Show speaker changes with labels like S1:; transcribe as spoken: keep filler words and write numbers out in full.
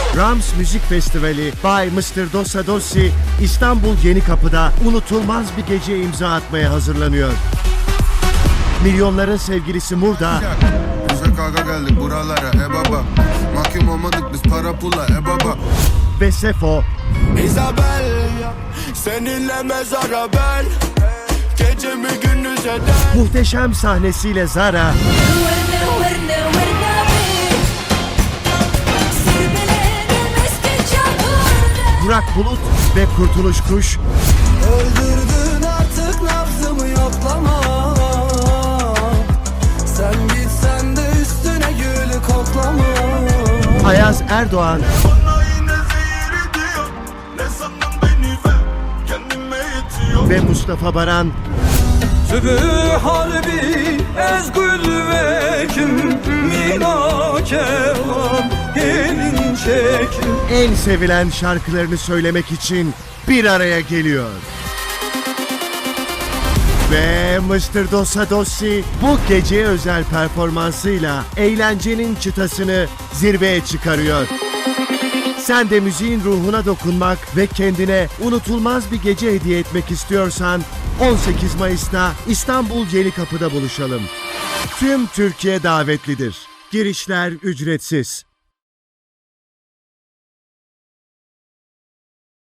S1: Rams Müzik Festivali by mister Dossa Dossi İstanbul Yenikapı'da unutulmaz bir gece imza atmaya hazırlanıyor. Milyonların sevgilisi Murda
S2: Bize kavga geldik buralara e baba. Mahkum olmadık biz para pula e baba.
S1: ve Sefo
S3: Isabel, seninle mezara ben, gecemi gündüz eder.
S1: muhteşem sahnesiyle Zara,
S4: ورنا ورنا ورنا بيك سير بلادي مسكن شهورنا
S1: Burak Bulut ve Kurtuluş Kuş
S3: Öldürdün artık nabzımı yoklama. Sen gitsen de üstüne gül koklama.
S1: Ayaz Erdoğan
S3: Bana yine zehir ediyor. Ne sandın beni ve kendime yetiyor.
S1: ve Mustafa Baran
S5: Sübü harbi ezgül ve kim mina kevan gelin çekin.
S1: en sevilen şarkılarını söylemek için bir araya geliyor. Ve mister Dossa Dossi bu geceye özel performansıyla eğlencenin çıtasını zirveye çıkarıyor. Sen de müziğin ruhuna dokunmak ve kendine unutulmaz bir gece hediye etmek istiyorsan on sekiz Mayıs'ta İstanbul Yenikapı'da buluşalım. Tüm Türkiye davetlidir. Girişler ücretsiz.